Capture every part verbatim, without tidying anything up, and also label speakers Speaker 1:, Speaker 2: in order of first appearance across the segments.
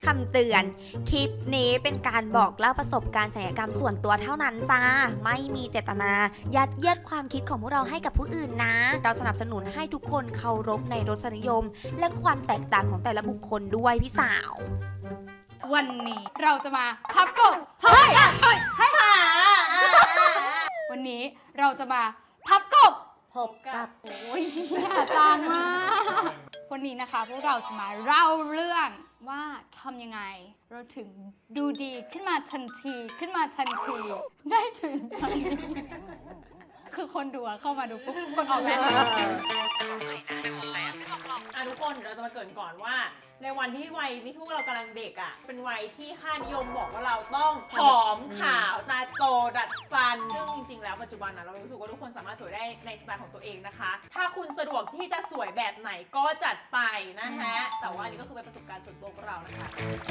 Speaker 1: ำเตือนคลิปนี้เป็นการบอกเล่าประสบการณ์ศัลยกรรมส่วนตัวเท่านั้นจ้าไม่มีเจตนายัดเยียดความคิดของพวกเราให้กับผู้อื่นนะเราสนับสนุนให้ทุกคนเคารพในรสนิยมและความแตกต่างของแต่ละบุคคลด้วยพี่สาว
Speaker 2: วันนี้เราจะมาพับกบ
Speaker 1: เฮ้ย
Speaker 2: เฮ้ยให้หาวันนี้เราจะมาพับกบ
Speaker 1: พบกับ
Speaker 2: โอ้ยอาจารย์มากวันนี้นะคะพวกเราจะมาเล่าเรื่องว่าทำยังไงเราถึงดูดีขึ้นมาทันทีขึ้นมาทันทีได้ถึงตอนนี้คือคนดูเข้ามาดูปุ๊บคนออกแบบ
Speaker 3: อ่ะทุกคนเราจะมาเกริ่นก่อนว่าในวันที่วัยที่พวกเรากำลังเด็กอ่ะเป็นวัยที่ค่านิยมบอกว่าเราต้องผอมขาวตาโตดัดฟันซึ่งจริงๆแล้วปัจจุบันนะเรารู้สึกว่าทุกคนสามารถสวยได้ในสไตล์ของตัวเองนะคะถ้าคุณสะดวกที่จะสวยแบบไหนก็จัดไปนะฮะแต่ว่านี่ก็คือเป็นประสบการณ์ส่วนตัวของเรานะคะ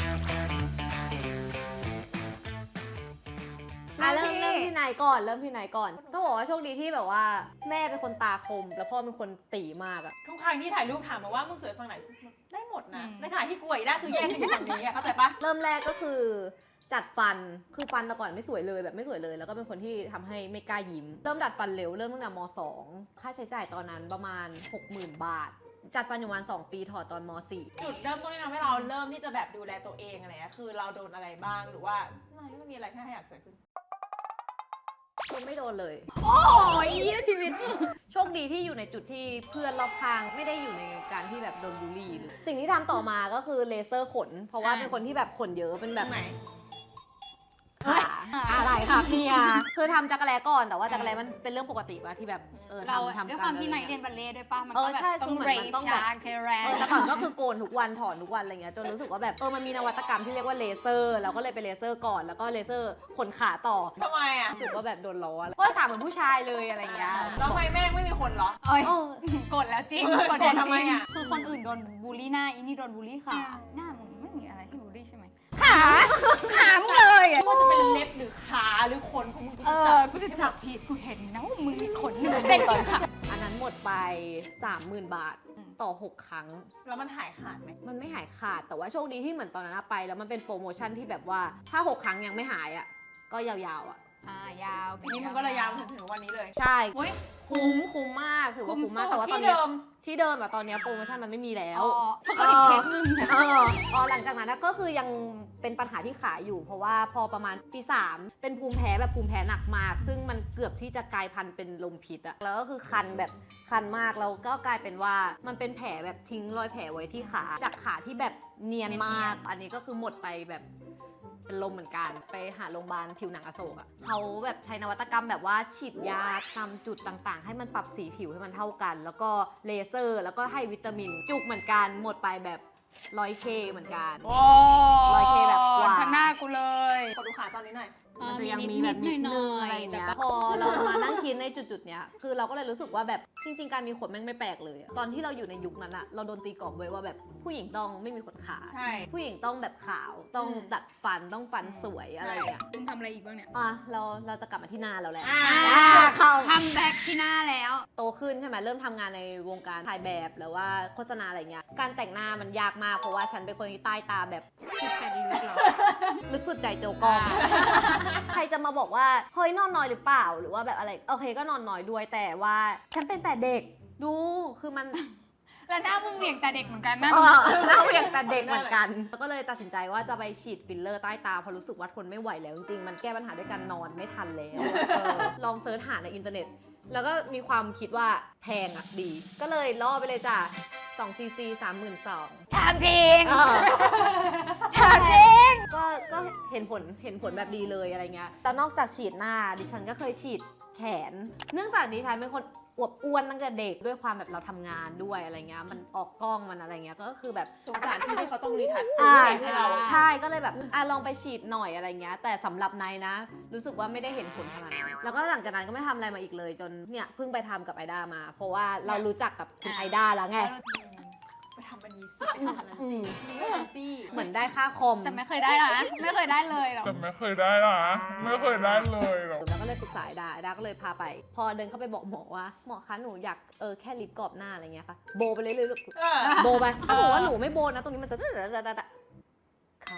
Speaker 4: เริ่มเริ่มที่ไหนก่อนเริ่มที่ไหนก่อนต้องบอกว่าโชคดีที่แบบว่าแม่เป็นคนตาคมแล้วพ่อเป็นคนตีมากอะ
Speaker 3: ทุกครั้งที่ถ่ายรูปถามมาว่ามึงสวยฝั่งไหนได้หมดนะในขณะที่กูอีกได้คือแยกกันอยู่ฝั่งนี้เข้าใจปะ
Speaker 4: เริ่มแรกก็คือจัดฟันคือฟันแต่ก่อนไม่สวยเลยแบบไม่สวยเลยแล้วก็เป็นคนที่ทำให้ไม่กล้ายิ้มเริ่มดัดฟันเร็วเริ่มตั้งแต่ม.สอง ค่าใช้จ่ายตอนนั้นประมาณ หกหมื่น บาทจัดฟันอยู่ประมาณสองปีถอดตอนม.สี่
Speaker 3: จุดเริ่มต้นที่ทำให้เราเริ่มที่จะแบบดูแลตัวเองอะไรเงี้ยคือเราโดนอะไรบ้างหรือว่าไม่ไม่มีอะไรแค่อยากสวยขึ้น
Speaker 4: คือไม่โดนเลย
Speaker 2: โอ้ยชีวิต
Speaker 4: โชคดีที่อยู่ในจุดที่เพื่อนรอบข้างไม่ได้อยู่ในการที่แบบโดนบูลลี่เลยสิ่งที่ทำต่อมาก็คือเลเซอร์ขนเพราะว่าเป็นคนที่แบบขนเยอะเป็นแบบ
Speaker 3: ไหน
Speaker 4: ขาอะไรค่ะเมียคือทำจักรแลก่อนแต่ว่าจักรแลมันเป็นเรื่องปกติป่ะที่แบบเออ
Speaker 2: เรา
Speaker 4: ทำทำ
Speaker 2: ด้วยความที่ไหนเรียนบัลเล่ต์ด้วยป่ะมัน
Speaker 4: เอ
Speaker 2: ก็
Speaker 4: อ
Speaker 2: แบบ
Speaker 4: ใช่
Speaker 2: ต้อ
Speaker 4: คื
Speaker 2: ง
Speaker 4: อเหมือ
Speaker 2: เร
Speaker 4: นมันต้องแบบ
Speaker 2: ชาเคแร
Speaker 4: เออแต่ก่อนก็คือโกนทุกวันถอนทุกวันอะไรเงี้ยจนรู้สึกว่าแบบเออมันมีนวัตกรรมที่เรียกว่าเลเซอร์เราก็เลยไปเลเซอร์ก่อนแล้วก็เลเซอร์ขนขาต่อ
Speaker 3: ทำไมอ่ะ
Speaker 4: รู้สึกว่าแบบโดนล้อเพราะขาเหมือนผู้ชายเลยอะไรเงี้ย
Speaker 3: แล้วทำไมแม่งไม่มีคนเหรอ
Speaker 2: เอ้ยกดแล้วจริงกด
Speaker 3: ทำไมอ่ะ
Speaker 2: คือคนอื่นโดนบูลลี่หน้าอีนี่โดนบูลลี่ขาหน้ามึงไม่มีอะไรที่บูลลี่ใช่ไหม
Speaker 4: ขาขามึงเลยอ่ะ
Speaker 3: ว่าจะเป็นเล็บหรือขาหรือขนของมึง
Speaker 2: เออกูจะจับผิดกูเห็นนะว่ามึงมีขนหนึ่งเส้นตอนขา
Speaker 4: อันนั้นหมดไป สามหมื่น บาทต่อหกครั้ง
Speaker 3: แล้วมันหายขาดไหม
Speaker 4: มันไม่หายขาดแต่ว่าโชคดีที่เหมือนตอนนั้นไปแล้วมันเป็นโปรโมชั่นที่แบบว่าถ้าหกครั้งยังไม่หายอ่ะก็ยาวๆอ่ะ
Speaker 2: อ่ายาว
Speaker 3: นี่มันก็ระยาวถึงถึงวันนี้เลย
Speaker 4: ใช่
Speaker 2: โอ้ย
Speaker 4: คุ้มคุ้มมากถือว่าคุ้มมากแต่ว่าตอน
Speaker 3: ที่
Speaker 4: นี้
Speaker 3: เดิม
Speaker 4: ที่เดิมอะตอนนี้โปรโมชั่นมันไม่มีแล้ว
Speaker 2: อ๋อเพราะเขาอีกเคสนึง
Speaker 4: เอออ๋อหลังจากนั้นก็คือยังเป็นปัญหาที่ขาอยู่ เพราะว่าพอประมาณปีสามเป็นภูมิแพ้แบบภูมิแพ้หนักมาก ซึ่งมันเกือบที่จะกลายพันธุ์เป็นลมพิษอะแล้วก็คือคันแบบคันมากแล้วก็กลายเป็นว่ามันเป็นแผลแบบทิ้งรอยแผลไว้ที่ขาจากขาที่แบบเนียนมาก อันนี้ก็คือหมดไปแบบเป็นลมเหมือนกันไปหาโรงพยาบาลผิวหนังอโศกอะเขาแบบใช้นวัตกรรมแบบว่าฉีดยาตามจุดต่างๆ ให้มันปรับสีผิวให้มันเท่ากัน แล้วก็เลเซอร์แล้วก็ให้วิตามินจุกเหมือนกันหมดไปแบบร้อยเคเหมือนกัน
Speaker 2: โอ้
Speaker 4: ร้อยเคแบบกว่า
Speaker 2: ข้างหน้ากูเลย
Speaker 3: ขอดูขาตอนนี้หน่อย
Speaker 4: มันจะยังมีแบบนิดนึงอะไรอย่างเงี้ยพอเรามานั่งคิดในจุดๆเนี้ยคือเราก็เลยรู้สึกว่าแบบจริงๆการมีขนแม่งไม่แปลกเลยอะตอนที่เราอยู่ในยุคนั้นอะเราโดนตีกรอบไว้ว่าแบบผู้หญิงต้องไม่มีขนขา
Speaker 3: ใช่
Speaker 4: ผู้หญิงต้องแบบขาวต้อง
Speaker 3: อืม
Speaker 4: ดัดฟันต้องฟันสวยอะไรอย่างเงี้ย
Speaker 2: มึงทำอะไรอีกบ้างเนี่ย
Speaker 4: อ่ะเราเราจะกลับมาที่หน้าเราแล้ว
Speaker 3: อ่า
Speaker 4: เข้า
Speaker 2: คัมแบ็กที่หน้าแล้ว
Speaker 4: โตขึ้นใช่ไหมเริ่มทำงานในวงการถ่ายแบบหรือว่าโฆษณาอะไรเงี้ยการแต่งหน้ามันยากมากเพราะว่าฉันเป็นคนที่ใต้ตาแบบ
Speaker 2: สุดแสนลึกเหรอ
Speaker 4: ลึกสุดใจโจกอง ใครจะมาบอกว่าเฮ้ยนอนน้อยหรือเปล่าหรือว่าแบบอะไรโอเคก็นอนน้อยด้วยแต่ว่าฉันเป็นแต่เด็กดูคือมัน
Speaker 2: แล้วหน้ามึงเหวี่ยงแต่เด็กเหมือนกันนะ
Speaker 4: เออเราเรียกแต่เด็กเหมือนกันก็เลยตัดสินใจว่าจะไปฉีดฟิลเลอร์ใต้ตาเพราะรู้สึกว่าทนไม่ไหวแล้วจริงๆมันแก้ปัญหาด้วยการนอนไม่ทันแล้วเออลองเซิร์ชหาในอินเทอร์เน็ตแล้วก็มีความคิดว่าแพงอ่ะดี ก็เลยล่อไปเลยจ้ะสองซีซีสามหมื่นสอง
Speaker 2: ถามจริง
Speaker 4: เออ
Speaker 2: ถามจริง
Speaker 4: ก็ก็เห็นผลเห็นผลแบบดีเลยอะไรเงี้ยแต่นอกจากฉีดหน้าดิฉันก็เคยฉีดแขน เนื่องจากดิฉันเป็นคนอวบอ้วนตั้งแต่เด็กด้วยความแบบเราทำงานด้วยอะไรเงี้ยมันออกกล้องมันอะไรเงี้ยก็คือแบบ
Speaker 3: สงสารที่ที่เขาต้องรีทัช
Speaker 4: อ่า
Speaker 3: ให้เรา
Speaker 4: ใช่ก็เลยแบบอ่ะลองไปฉีดหน่อยอะไรเงี้ยแต่สำหรับนายนะ รู้สึกว่าไม่ได้เห็นผลขนาดนั้นแล้วก็หลังจากนั้นก็ไม่ทำอะไรมาอีกเลยจนเนี่ยเพิ่งไปทำกับไอด้ามา เพราะว่าเรารู้จักกับคุณไอด้าแล้วไง
Speaker 3: ไปทำอันนี้สิไปทำอันนั้นสิไม่ทำสิ
Speaker 4: เหมือนได้ค่าคอม
Speaker 2: แต่ไม่เคยได้นะไม่เคยได้เลยหรอก
Speaker 5: แต่ไม่เคยได้หรอไม่เคยได้เลยหรอ
Speaker 4: แล้วก็เลยปรึกษาไอด้าไอด้าก็เลยพาไป พอเดินเข้าไปบอกหมอว่าหมอคะหนูอยากเออแค่ลิปกรอบหน้าอะไรเงี้ยค่ะโบไปเลยเลย
Speaker 3: เออ
Speaker 4: โบไปถ้าสมมติว่าหนูไม่โบนะตรงนี้มันจะจะจะจะค่ะ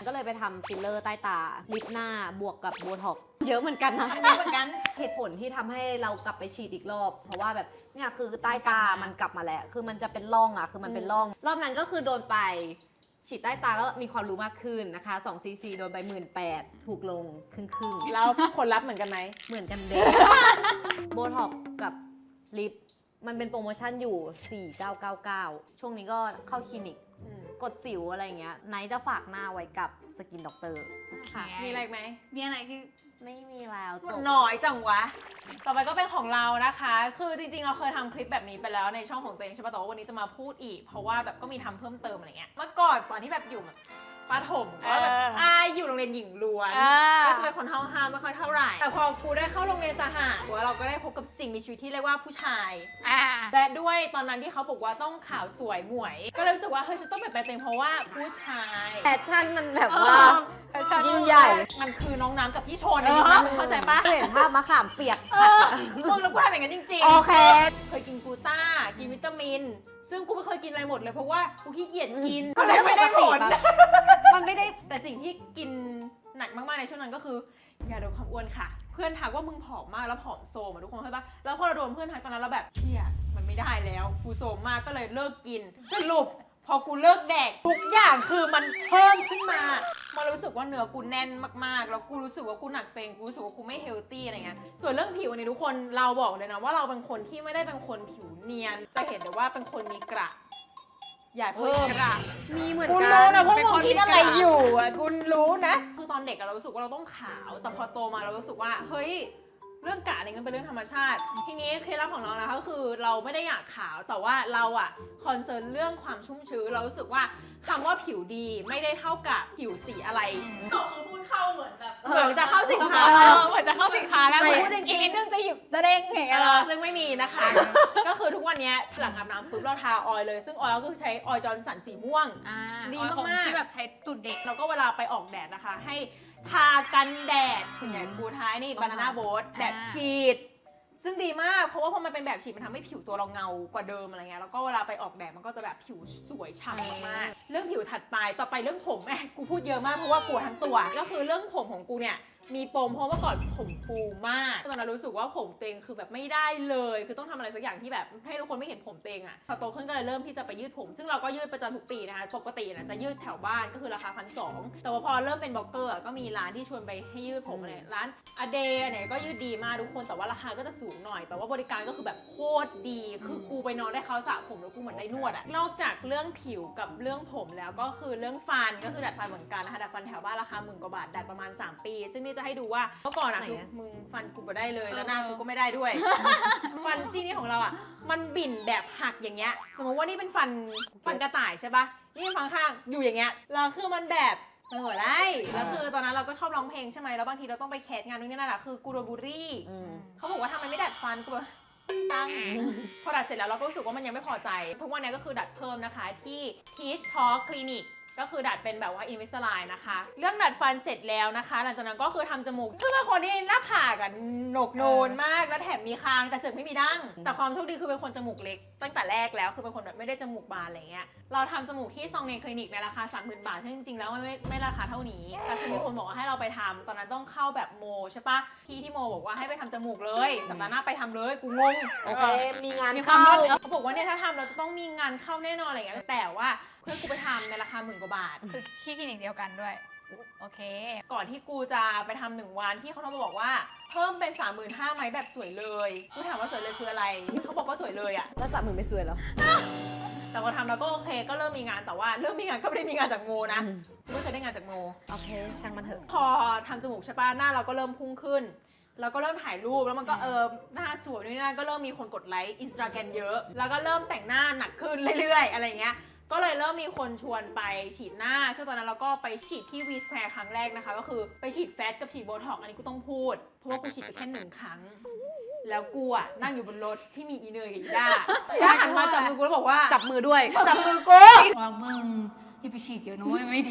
Speaker 4: ก็เลยไปทำฟิลเลอร์ใต้ตาลิปหน้าบวกกับโบท็อกซ์เยอะเหมือนกันนะ
Speaker 3: เหมือนกัน
Speaker 4: เหตุผลที่ทำให้เรากลับไปฉีดอีกรอบ เพราะว่าแบบเนี่ยคือใต้ตามันกลับมาแล้ว คือมันจะเป็นร่องอ่ะ คือมันเป็นร่อง รอบนั้นก็คือโดนไปฉีดใต้ตาก็มีความรู้มากขึ้นนะคะสองซีซีโดนไปหมื่นแปดถูกลงครึ่งครึ่งๆ
Speaker 3: แล้วผลลัพธ์เหมือนกันไหม
Speaker 4: เหมือนกันเด็ก โบท็อกกับลิปมันเป็นโปรโมชั่นอยู่ สี่พันเก้าร้อยเก้าสิบเก้า ช่วงนี้ก็เข้าคลินิก กดสิวอะไรเงี้ยไนท์จะฝากหน้าไว้กับสกินด็อกเตอร์ค่ะ
Speaker 3: มีอะไรอีกไหม
Speaker 2: มีอะไรที่
Speaker 4: ไม่มีแล้วจ
Speaker 3: มัน
Speaker 4: บ
Speaker 3: น้อยจังวะ ต่อไปก็เป็นของเรานะคะ คือจริงๆ เราเคยทำคลิปแบบนี้ไปแล้วในช่องของตัวเองใช่ปะแต่ว่าวันนี้จะมาพูดอีก เพราะว่าแบบก็มีทำเพิ่มเติมอะไรเงี้ย เมื่อก่อนตอนที่แบบอยู่แบบประถมก็แบบ
Speaker 2: เออ
Speaker 3: อายอยู่โรงเรียนหญิงล้วน
Speaker 2: อ่า
Speaker 3: ก็จะเป็นคนห้าวๆไม่ค่อยเท่าไหร่ แต่พอกูได้เข้าโรงเรียนสหะเราก็ได้พบกับสิ่งมีชีวิตที่เรียกว่าผู้ชาย
Speaker 2: อ่า
Speaker 3: และด้วยตอนนั้นที่เขาบอกว่าต้องขาวสวยหมวย ก็เลยรู้สึกว่าเฮ้ยฉันต้องเปลี่ยนแปลงตัวเองเพราะว่าผู้ชาย
Speaker 4: แฟชั่นมันแบบว่า
Speaker 2: แฟชั่น
Speaker 4: ยิ่งใหญ่
Speaker 3: มันคือน้องน้ำกับพี่ชนในยุคนั้นมึงเข้าใจปะ
Speaker 4: เห็นภาพมะขามเปียก
Speaker 3: มึงแล้วกูทำอย่างนั้นจริง
Speaker 4: โอเค
Speaker 3: ๆ เคยกินกลูต้า กินวิตามิน ซึ่งกูไม่เคยกินอะไรหมดเลยเพราะว่ากูขี้เกียจกิน ก็เลยไม่ได้ผล
Speaker 4: มันไม่ได้
Speaker 3: แต่สิ่งที่กินหนักมากๆในช่วงนั้นก็คือยาลดความอ้วนค่ะ เพื่อนทักว่ามึงผอมมากแล้วผอมโซมอะทุกคนเข้าใจปะแล้วพอเราโดนเพื่อนทักตอนนั้นเราแบบเชี่ยมันไม่ได้แล้วกูโซมมากก็เลยเลิกกิน สรุปพอกูเลิกแดกทุกอย่างคือมันเพิ่มขึ้นมามันรู้สึกว่าเนื้อกูแน่นมากๆ แล้วกูรู้สึกว่ากูหนักเต็งกูรู้สึกว่ากูไม่เฮลตี้อะไรเงี้ยส่วนเรื่องผิวเนี่ยทุกคนเราบอกเลยนะว่าเราเป็นคนที่ไม่ได้เป็นคนผิวเนียน จะเห็นเลยว่าเป็นคนมีกระอย่าเพิ่ม
Speaker 2: กระ
Speaker 4: มีเหมือน
Speaker 3: กู
Speaker 4: กั
Speaker 3: รู้
Speaker 4: น
Speaker 3: นะว่า
Speaker 2: เป็น
Speaker 3: มึ
Speaker 2: ค
Speaker 3: ง
Speaker 2: น
Speaker 3: คิดอะไร
Speaker 2: มีกระ
Speaker 3: อยู่อ่ะกูรู้นะ คือตอนเด็กอะเรารู้สึกว่าเราต้องขาว แต่พอโตมาเรารู้สึกว่าเฮ้ยเรื่องกะนี่มันเป็นเรื่องธรรมชาติ ทีนี้เคล็ดลับของเรานะคะก็คือเราไม่ได้อยากขาวแต่ว่าเราอะคอนเซิร์นเรื่องความชุ่มชื้นเรารู้สึกว่าคำว่าผิวดีไม่ได้เท่ากับผิวสีอะไร
Speaker 6: คือพูดเข้าเหมือนแบบ
Speaker 3: เหมือนจะเข้าสิน
Speaker 2: เอ
Speaker 3: ค้า
Speaker 2: อเหมือนจะเข้าสินค้าแล้ว
Speaker 3: ไม่
Speaker 2: เหมือนอีกนิดนึงจะหยิบตะเด้งอย่างเงี้ย
Speaker 3: เอ
Speaker 2: เหร
Speaker 3: อ
Speaker 2: อ
Speaker 3: ซึ่งไม่มีนะคะ ก็คือทุกวันนี้หลังอาบน้ำปุ๊บเราทาออยล์เลย ซึ่งออยล์ก็คือใช้ออยล์จอร์นสันสีม่วง
Speaker 2: อ่า
Speaker 3: ดี
Speaker 2: ของ
Speaker 3: มากๆ
Speaker 2: ที่แบบใช้ตุดเด็ก
Speaker 3: แล้วก็เวลาไปออกแดดนะคะ ให้ทากันแดดส่วนใหญ่กูท้ายนี่บานาน่าโบ๊ทแบบฉีด ซึ่งดีมาก เพราะว่าพอมันเป็นแบบฉีดมันทำให้ผิวตัวเราเงากว่าเดิมอะไรเงี้ย แล้วก็เวลาไปออกแดดมันก็จะแบบผิวสวยฉ่ำมากๆ เรื่องผิวถัดไป ต่อไปเรื่องผมแม่กูพูดเยอะมากเพราะว่ากลัวทั้งตัว ก็คือเรื่องผมของกูเนี่ยมีปมเพราะว่าก่อนผมฟูมากตอนนั้นรู้สึกว่าผมเต็งคือแบบไม่ได้เลย คือต้องทำอะไรสักอย่างที่แบบให้ทุกคนไม่เห็นผมเต็งอ่ะ พอโตขึ้นก็เลยเริ่มที่จะไปยืดผม ซึ่งเราก็ยืดประจำทุกปีนะคะปกตินะจะยืดแถวบ้านก็คือราคาพันสองแต่ว่าพอเริ่มเป็นบล็อกเกอร์อะก็มีร้านที่ชวนไปให้ยืดผมอะไรร้านอเดย์เนี่ยก็ยืดดีมากทุกคนแต่ว่าราคาก็จะสูงหน่อย แต่ว่าบริการก็คือแบบโคตรดี คือกูไปนอนได้เขาสระผมแล้วกูเหมือนได้นวดอะนอกจากเรื่องผิวกับเรื่องผมแล้วก็คือเรื่องฟันก็คือดัดฟันเหมือนกันนะคะดัดฟันแถวบ้านราคาหมื่นกว่าบาทดัดประมาณสามปี ซึ่งนี่จะให้ดูว่าเมื่อก่อนอะ
Speaker 4: ไหน
Speaker 3: คือ
Speaker 4: อะ
Speaker 3: มึงฟันกูไม่ได้เลยแล้วหน้า
Speaker 2: เออ
Speaker 3: กูก็ไม่ได้ด้วย ฟันซี่นี่ของเราอะมันบิ่นแบบหักอย่างเงี้ยสมมติว่านี่เป็นฟันฟันกระต่ายใช่ปะนี่ฟันข้างอยู่อย่างเงี้ยแล้วคือมันแบบมันหัวได้แล้วคือตอนนั้นเราก็ชอบร้องเพลงใช่ไหมแล้วบางทีเราต้องไปแคสงานนู่นนี่นั่นอะคือกูโดนบูลลี่
Speaker 4: อืม
Speaker 3: เขาบอกว่าทำไมไม่ดัดฟันกูแบบตั้งพอดัดเสร็จแล้วเราก็รู้สึกว่ามันยังไม่พอใจ ทุกวันนี้ก็คือดัดเพิ่มนะคะที่ Teach Talk Clinic ก็คือดัดเป็นแบบว่า Invisalign นะคะ เรื่องดัดฟันเสร็จแล้วนะคะ หลังจากนั้นก็คือทำจมูกคือเป็นคนที่หน้าผากอะโหนกโนนมาก แล้วแถมมีคางแต่เสือกไม่มีดั้ง แต่ความโชคดีคือเป็นคนจมูกเล็กตั้งแต่แรกแล้ว คือเป็นคนแบบไม่ได้จมูกบานอะไรเงี้ย เราทำจมูกที่ซองเนคลินิกในราคา สามหมื่น บาทซึ่งจริงๆแล้วไม่ไม่ไม่ราคาเท่านี้ แต่คือมีคนบอกว่าให้เราไปทำตอนนั้นต้องเข้าแบบโมใช่ปะพี่ที่โมบอกว่าให้ไปทำจมูกเลยสัปดาห์หน้าไปทำเลยกูงง
Speaker 4: โอเค มีงาน
Speaker 2: มีความ
Speaker 4: เข้า
Speaker 2: รวดเร็ว
Speaker 3: เขาบอกว่าเนี่ยถ้าทำเราจะต้องมีงานเข้าแน่นอนอะไรอย่างเงี้ยแต่ว่าเพื่อนกูไปทำในราคาหมื่นกว่าบาท
Speaker 2: คือที่คลินิกเดียวกันด้วย โอเค
Speaker 3: ก่อนที่กูจะไปทำหนึ่งวันที่เขาโทรมาบอกว่าเพิ่มเป็น สามหมื่นห้าพัน ไหมแบบสวยเลยกูถามว่าสวยเลยคืออะไรเขาบอกว่าสวยเลยอะ
Speaker 4: แล้วสามหมื่นไม่สวยเหรอ
Speaker 3: แต่พอทำแล้วก็โอเคก็เริ่มมีงานแต่ว่าเริ่มมีงานก็ไม่ได้มีงานจากโมนะ
Speaker 4: อืม
Speaker 3: กูไม่เคยได้งานจากโม
Speaker 4: โอเค ช่างมันเถอะ
Speaker 3: พอทำจมูกใช่ปะหน้าเราก็เริ่มพุ่งขึ้น แล้วก็เริ่มถ่ายรูปแล้วมันก็เออหน้าสวยนู่นนี่นั่นก็เริ่มมีคนกดไลค์อินสตาแกรมเยอะ แล้วก็เริ่มแต่งหน้าหนักขึ้นเรื่อยๆ อะไรเงี้ยก็เลยเริ่มมีคนชวนไปฉีดหน้าซึ่งตอนนั้นเราก็ไปฉีดที่ V Square ครั้งแรกนะคะ ก็คือไปฉีดแฟตกับฉีดโบท็อกซ์อันนี้กูต้องพูด เพราะว่ากูฉีดไปแค่หนึ่งครั้ง แล้วกูอะนั่งอยู่บนรถที่มีอีเนยกับอีด้าอีด้าหันมาจับมือกูแล้วบอกว่า
Speaker 4: จับมือด้วย
Speaker 3: จับมือกู
Speaker 2: วางมึงอย่าไปฉีดเดี๋ยวน้อยไม่ดี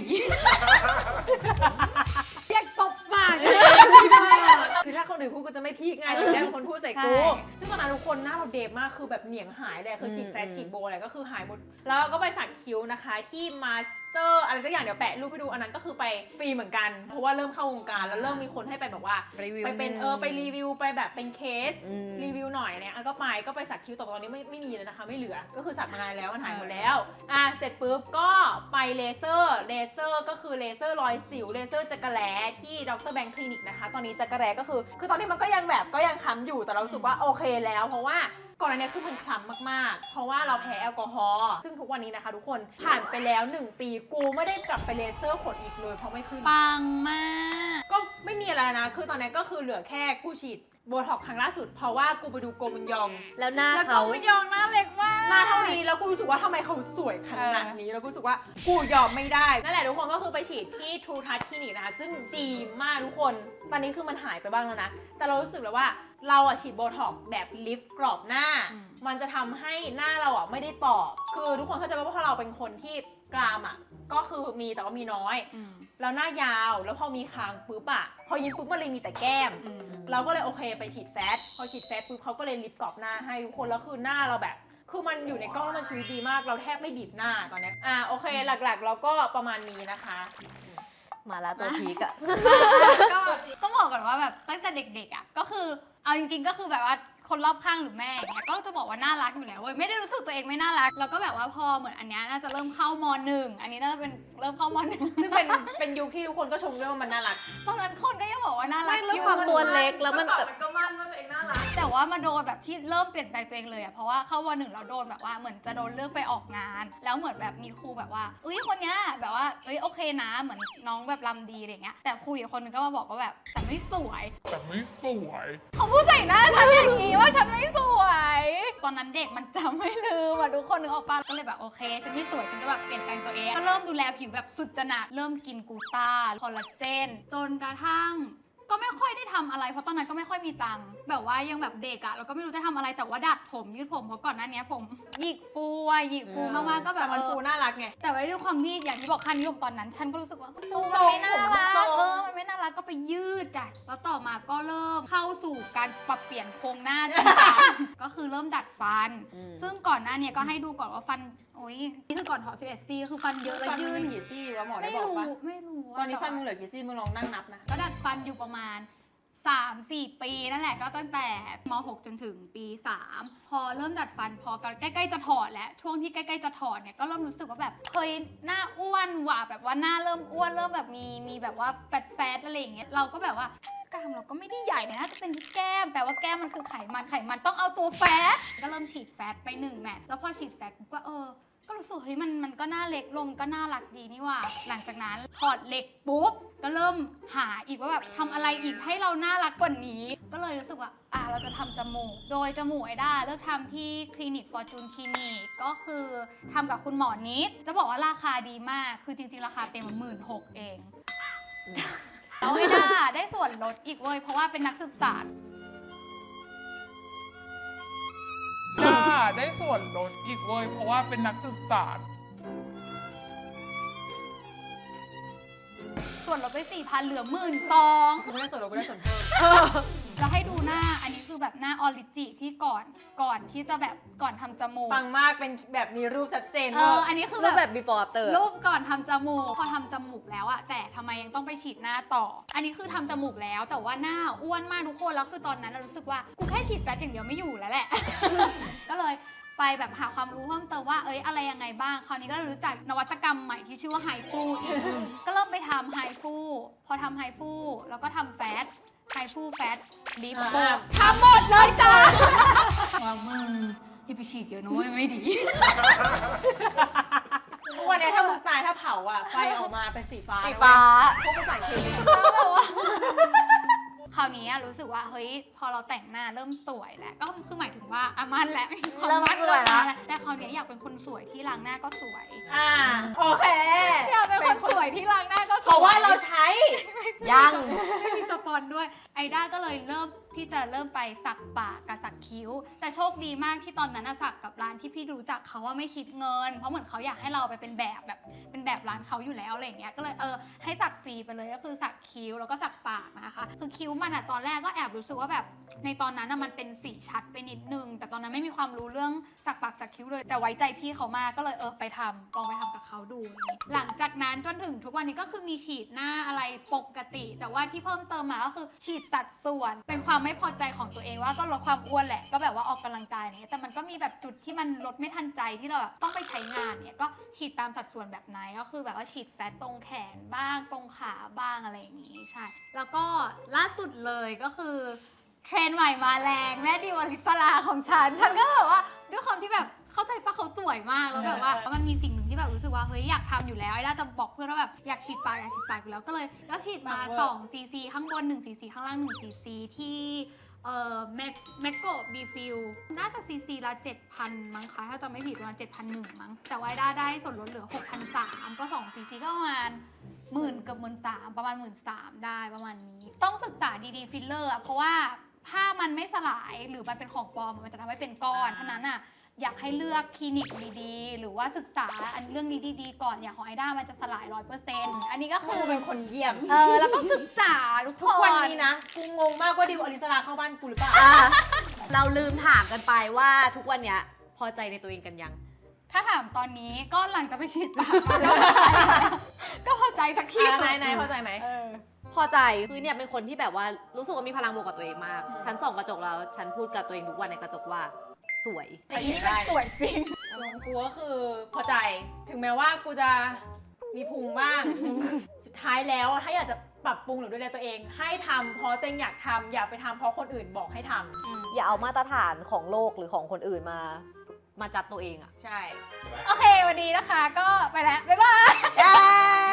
Speaker 2: อยากตบปากเลย
Speaker 3: คือถ้าคนอื่นพูดก็จะไม่พีกไงแต่แค่เป็นคนพูดใส่กู
Speaker 2: ใช่
Speaker 3: ซึ่งตอนนั้นทุกคนหน้าเราเดบมากคือแบบเหนียงหายเลยคือฉีดแฟตฉีดโบอะไรก็คือหายหมด แล้วก็ไปสักคิ้วนะคะที่ Mas เตอร์อะไรสักอย่างเดี๋ยวแปะรูปให้ดูอันนั้นก็คือไปฟรีเหมือนกันเพราะว่าเริ่มเข้าวงการแล้วเริ่มมีคนให้ไปแบบว่า
Speaker 4: รีวิว
Speaker 3: ไปเป็นเออไปรีวิวไปแบบเป็นเคส
Speaker 4: อืม
Speaker 3: รีวิวหน่อยเนี่ยอ่ะก็ไปก็ไปสักคิ้วแต่ตอนนี้ไม่ไม่มีเลยนะคะไม่เหลือก็คือสักมานานแล้วมันหายหมดแล้วอ่ะเสร็จปุ๊บก็ไปเลเซอร์เลเซอร์ก็คือเลเซอร์รอยสิวเลเซอร์จักรแล้ที่ดรแบงค์คลินิกนะคะตอนนี้จักรแล้ก็คือคือตอนนี้มันก็ยังแบบก็ยังค้ำอยู่แต่เรารู้สึกว่าโอเคแล้วเพราะว่าก่อนอันนี้คือมันคล้ำมากๆเพราะว่าเราแพ้แอลกอฮอล์ซึ่งทุกวันนี้นะคะทุกคนผ่านไปแล้วหนึ่งปีกูไม่ได้กลับไปเลเซอร์ขนอีกเลยเพราะไม่ขึ้น
Speaker 2: ปังมาก
Speaker 3: ก็ไม่มีอะไรนะ คือตอนนี้ก็คือเหลือแค่กูฉีดโบท็อกซ์ครั้งล่าสุด เพราะว่ากูไปดูโกมุนยอง
Speaker 4: แล้วหน้า
Speaker 2: แล้วก็
Speaker 4: เขา
Speaker 2: ไม่ยองหน้าเล็กมาก
Speaker 3: หน้าเท่านี้แล้วกูรู้สึกว่าทำไมเขาสวยขนาดนี้ แล้วกูรู้สึกว่ากูยอมไม่ได้ นั่นแหละทุกคนก็คือไปฉีดที่ทูทัชคลินิกนะคะ ซึ่งดีมากทุกคน ตอนนี้คือมันหายไปบ้างแล้วนะ แต่เรารู้สึกเลยว่าเราอะฉีดโบท็อกซ์แบบลิฟต์กรอบหน้า มันจะทำให้หน้าเราอะไม่ได้ตอบคือทุกคนเข้าใจว่าเพราะเราเป็นคนที่กรามอะก็คือมีแต่ว่ามีน้อย
Speaker 2: อืม
Speaker 3: แล้วหน้ายาวแล้วพอมีคางปุ๊บอะพอยิ้มปุ๊บมันเลยมีแต่แก้ม
Speaker 2: อืม
Speaker 3: เราก็เลยโอเคไปฉีดแฟตพอฉีดแฟตปุ๊บเขาก็เลยลิฟต์กรอบหน้าให้ทุกคนแล้วคือหน้าเราแบบ คือมันอยู่ในกล้องแล้วมันชีวิตดีมากเราแทบไม่บีบหน้าตอนเนี้ยอ่าโอเคหลักๆเราก็ประมาณนี้นะคะ
Speaker 4: มาแล้วตัวพีกอะ
Speaker 2: ก็ต้องบอกก่อนว่าแบบตั้งแต่เด็กๆอ่ะก็คือเอาจริงๆก็คือแบบว่าคนรอบข้างหรือแม่อย่างเงี้ยก็จะบอกว่าน่ารักอยู่แล้วเว้ยไม่ได้รู้สึกตัวเองไม่น่ารักแล้วก็แบบว่าพอเหมือนอันเนี้ยน่าจะเริ่มเข้ามหนึ่งอันนี้น่าจะเป็นเริ่มเข้ามหนึ่ง
Speaker 3: ซึ่งเป็นเป็นยุคที่ทุกคนก็ชมด้วยว่ามันน่ารัก
Speaker 2: ตอนนั้นคนก็ยังบอกว่าน่ารั
Speaker 4: ไม่
Speaker 2: ก
Speaker 4: แล้ว
Speaker 2: อยู่
Speaker 4: ความตัวเล็กแล้วมัน
Speaker 6: เมื่อก่
Speaker 4: แบ
Speaker 6: อน
Speaker 4: บ
Speaker 6: มันก็มั่นว่าตัวเองน่ารัก
Speaker 2: แต่ว่ามาโดนแบบที่เริ่มเปลี่ยนแปลงตัวเองเลยอ่ะเพราะว่าเข้าวันหนึ่งเราโดนแบบว่าเหมือนจะโดนเลือกไปออกงาน แล้วเหมือนแบบมีครูแบบว่าอุ้ยคนเนี้ยแบบว่าเอ้ยโอเคนะเหมือนน้องแบบรำดีอะไรเงี้ยแต่ครูอีกคนนึงก็มาบอกว่าแบบแต่ไม่สวย
Speaker 5: แต่ไม่สวย
Speaker 2: เขาพูดใส่หน้าฉันอย่างนี้ว่าฉันไม่สวย ตอนนั้นเด็กมันจำไม่ลืมอ่ะทุกคนนึกออกปะก็เลยแบบโอเค ฉันไม่สวยฉันจะแบบเปลี่ยนแปลงตัวเองก็เริ่มดูแลผิวแบบสุดจะหนักเริ่มกินกลูต้าคอลลาเจนจนกระทั่ง ก็ไม่ค่อยได้ทำอะไรเพราะตอนนั้นก็ไม่ค่อยมีตังค์แบบว่ายังแบบเด็กอะเราก็ไม่รู้จะทำอะไรแต่ว่าดัดผมยืดผมเพราะก่อนหน้านี้ผมหยิกฟูอะหยิกฟูมากๆก็แบ
Speaker 3: แต่
Speaker 2: บ
Speaker 3: มัน
Speaker 2: เอ
Speaker 3: ฟู
Speaker 2: อ
Speaker 3: น่ารักไง
Speaker 2: แต่ว่าด้วยความที่อย่างที่บอกค่านิยมตอนนั้น ฉันก็รู้สึกว่าฟู
Speaker 3: ต
Speaker 2: มั
Speaker 3: ร
Speaker 2: น
Speaker 3: ง
Speaker 2: ไม่น่ารั
Speaker 3: ผมตร
Speaker 2: ก
Speaker 3: ง
Speaker 2: เออมันไม่น่ารักก็ไปยืดจ้ะแล้วต่อมาก็เริ่มเข้าสู่การปรับเปลี่ยนโครงหน้าจริงจัง ก็คือเริ่มดัดฟัน
Speaker 4: อืม
Speaker 2: ซึ่งก่อนหน้าเนี้ก็ให้ดูก่อนว่าฟันโอ้ยนี่คือก่อนถอดสิบเอ็ดซี่คือฟันเยอะและ
Speaker 3: ฟันมึ
Speaker 2: ยื
Speaker 3: ง
Speaker 2: น
Speaker 3: มีกี่ซี่วะหมอได้
Speaker 2: ไม่
Speaker 3: บอก
Speaker 2: รู้
Speaker 3: ปะ
Speaker 2: ไม่รู้ะ
Speaker 3: ตอนนี้ฟัน
Speaker 2: แว่า
Speaker 3: มึงเหลือกี่ซี่มึงลองนั่งนับนะ
Speaker 2: ก็ดัดฟันอยู่ประมาณ สามสี่ปีนั่นแหละก็ตั้งแต่ม หก จนถึงปีสามพอเริ่มดัดฟันพอใกล้ๆจะถอดแล้วช่วงที่ใกล้ๆจะถอดเนี่ยก็เริ่มรู้สึกว่าแบบเคยหน้าอ้วนว่ะแบบว่าหน้าเริ่มอ้วนเริ่มแบบมีมีแบบว่าแฟตๆอะไรอย่างเงี้ยเราก็แบบว่ากล้ามเราก็ไม่ได้ใหญ่นะน่าจะเป็นที่แก้มแปลว่าแก้มมันคือไขมันไขมันต้องเอาตัวแฟตก็เริ่มฉีดแฟตไปหนึ่งแมทแล้วพอฉีดแฟตปุ๊บก็เออก็รู้สึกเฮ้ยมันมันก็น่าเล็กลงก็น่ารักดีนี่ว่า หลังจากนั้นถอดเหล็กปุ๊บก็เริ่มหาอีกว่าแบบทำอะไรอีกให้เราน่ารักกว่านี้ ก็เลยรู้สึกว่าอ่ะเราจะทำจมูก โดยจมูกไอด้าเลือกทำที่คลินิกฟอร์จูนคลินิกก็คือทำกับคุณหมอนิดจะบอกว่าราคาดีมากคือจริงๆราคาเต็มหมื่นหกเองแล้วไอด้าได้ส่วนลดอีกเว้ยเพราะว่าเป็นนักศึกษา
Speaker 5: จ้าได้ส่วนลดอีกเว้ยเพราะว่าเป็นนักศึกษา
Speaker 2: ส่วนลดไปสี่พันเหลือหมื่นสอง
Speaker 3: กูไม่ได้ส่วนลดกูได้ส่วนเพิ่ม
Speaker 2: จะให้ดูหน้าอันนี้คือแบบหน้าออริจิที่ก่อนก่อนที่จะแบบก่อนทำจมูก
Speaker 3: ปังมากเป็นแบบมีรูปชัดเจน
Speaker 2: เอออันนี้คือ
Speaker 4: รูป
Speaker 2: แบ
Speaker 4: แบบ บ before after
Speaker 2: รูปก่อนทำจมูกพอทำจมูกแล้วอะแต่ทำไมยังต้องไปฉีดหน้าต่อ อันนี้คือทำจมูกแล้วแต่ว่าหน้าอ้วนมากทุกคนแล้วคือตอนนั้นเรารู้สึกว่ากูแค่ฉีดแฟตอย่างเดียวไม่อยู่แล้วแหละ ก็เลยไปแบบหาความรู้เพิ่มเติมว่าเอ้ยอะไรยังไงบ้างคราวนี้ก็เลยรู้จักนวัตกรรมใหม่ที่ชื่อว่าไฮฟูอีก ก็เริ่มไปทำไฮฟูพอทำไฮฟูแล้วก็ทำแฟตไฮฟูแฟตลิปโบทำหมดเลยจ้าว่ามึงอย่าไปฉีดเยอะนะเว้ยไม่ดี
Speaker 3: ทุกวันนี้ถ้ามึงตายถ้าเผาอ่ะไฟออกมาเป็นสีฟ้า
Speaker 4: สีฟ้า
Speaker 3: พวกภาษาอังกฤษ
Speaker 2: แล้วแบบว่าคราวนี้รู้สึกว่าเฮ้ยพอเราแต่งหน้าเริ่มสวยแล้วก็คือหมายถึงว่าอามันแหละความ
Speaker 4: เริ่ม
Speaker 2: มั่น
Speaker 4: สวยแล้ว
Speaker 2: แต่คราวนี้อยากเป็นคนสวยที่ล้างหน้าก็สวย
Speaker 3: อ่าโอเค
Speaker 2: อยากเป็นคนสวยที่ล้างหน้าก็สวย
Speaker 3: เพราะว่าเราใช้
Speaker 4: ยัง
Speaker 2: ไม่มีสปอนด้วยไอด้าก็เลยเริ่มที่จะเริ่มไปสักปากกับสักคิ้ว แต่โชคดีมากที่ตอนนั้นน่ะสักกับร้านที่พี่รู้จักเขาว่าไม่คิดเงิน เพราะเหมือนเขาอยากให้เราไปเป็นแบบแบบเป็นแบบร้านเขาอยู่แล้วอะไรอย่างเงี้ยก็เลยเออให้สักฟรีไปเลยก็คือสักคิ้วแล้วก็สักปากนะคะคือคิ้วมันอะตอนแรกก็แอบรู้สึกว่าแบบในตอนนั้นอะมันเป็นสีชัดไปนิดนึงแต่ตอนนั้นไม่มีความรู้เรื่องสักปากสักคิ้วเลยแต่ไว้ใจพี่เขามากก็เลยเออไปทำลองไปทำกับเขาดูนี่หลังจากนั้นจนถึงทุกวันนี้ก็คือมีฉีดหน้าอะไรปกติ แต่ว่าที่เพิ่มเติมมาก็คือฉีดสัดส่วนเป็นความไม่พอใจของตัวเองว่าก็ลดความอ้วนแหละก็แบบว่าออกกำลังกายเนี่ยแต่มันก็มีแบบจุดที่มันลดไม่ทันใจที่เราแบบต้องไปใช้งานเนี่ยก็ฉีดตามสัดส่วนแบบไหนก็คือแบบว่าฉีดแฟตตรงแขนบ้างตรงขาบ้างอะไรอย่างนี้ใช่แล้วก็ล่าสุดเลยก็คือเทรนด์ใหม่มาแรงแม่ดิวอลิสลาของฉันฉันก็แบบว่าด้วยความที่แบบเข้าใจปะเขาสวยมากแล้วแบบว่ามันมีสิ่งหนึ่งที่แบบรู้สึกว่าเฮ้ยอยากทำอยู่แล้วไอ้ด้าจะบอกเพื่อนว่าแบบอยากฉีดปากอยากฉีดปากอยู่แล้วก็เลยก็ฉีดมาสองซีซีข้างบนหนึ่งซีซีข้างล่างหนึ่งซีซีที่เอ่อแมคแมคโกบีฟิลน่าจะซีซีละเจ็ดพันมั้งคะถ้าจำไม่ผิดประมาณเจ็ดพันหนึ่งมั้งแต่ว่าไอ้ด้าได้ส่วนลดเหลือหกพันสามก็สองซีซีก็ประมาณหมื่นกับหมื่นสามประมาณหมื่นสามได้ประมาณนี้ต้องศึกษาดีๆฟิลเลอร์เพราะว่าถ้ามันไม่สลายหรือมันเป็นของปลอมมันจะทำให้เป็นก้อนฉะนั้นอ่ะอยากให้เลือกคลินิกดีๆหรือว่าศึกษาอันเรื่องนี้ดีๆก่อนอย่างของไอด้ามันจะสลาย ร้อยเปอร์เซ็นต์ อันนี้ก็คือ
Speaker 3: กูเป็นคนเยี่ยม
Speaker 2: เออแล้วก็ศึกษาทุกค
Speaker 3: ทุกวัน
Speaker 2: น
Speaker 3: นี้นะ กูงงมากว่าดิวอลิสลาเข้าบ้านกูหรือเปล่า
Speaker 4: อ่ะเราลืมถามกันไปว่าทุกวันเนี้ยพอใจในตัวเองกันยัง
Speaker 2: ถ้าถามตอนนี้ก็หลังจะไปฉีดปากมาก็พอใจสักที
Speaker 3: อ่ะนายนายเข้าใจไหม
Speaker 2: เออ
Speaker 4: พอใจคือเนี่ยเป็นคนที่แบบว่ารู้สึกว่ามีพลังบวกกับตัวเองมาก ฉันส่องกระจกแล้วฉันพูดกับตัวเองทุกวันในกระจกว่าสวย
Speaker 2: แต่อีนี่มันสวยจริง
Speaker 3: ของกูก็คือพอใจ ถึงแม้ว่ากูจะมีพุงบ้าง สุดท้ายแล้วถ้าอยากจะปรับปรุงหรือดูแลตัวเอง ให้ทำเพราะตัวเองอยากทำอย่าไปทำเพราะคนอื่นบอกให้ทำ
Speaker 4: อย่าเอามาตรฐานของโลกหรือของคนอื่นมา มาจัดตัวเองอะ
Speaker 3: ใช่
Speaker 2: โอเควันนี้นะคะก็ไปแล้ว บ๊ายบาย
Speaker 4: เย้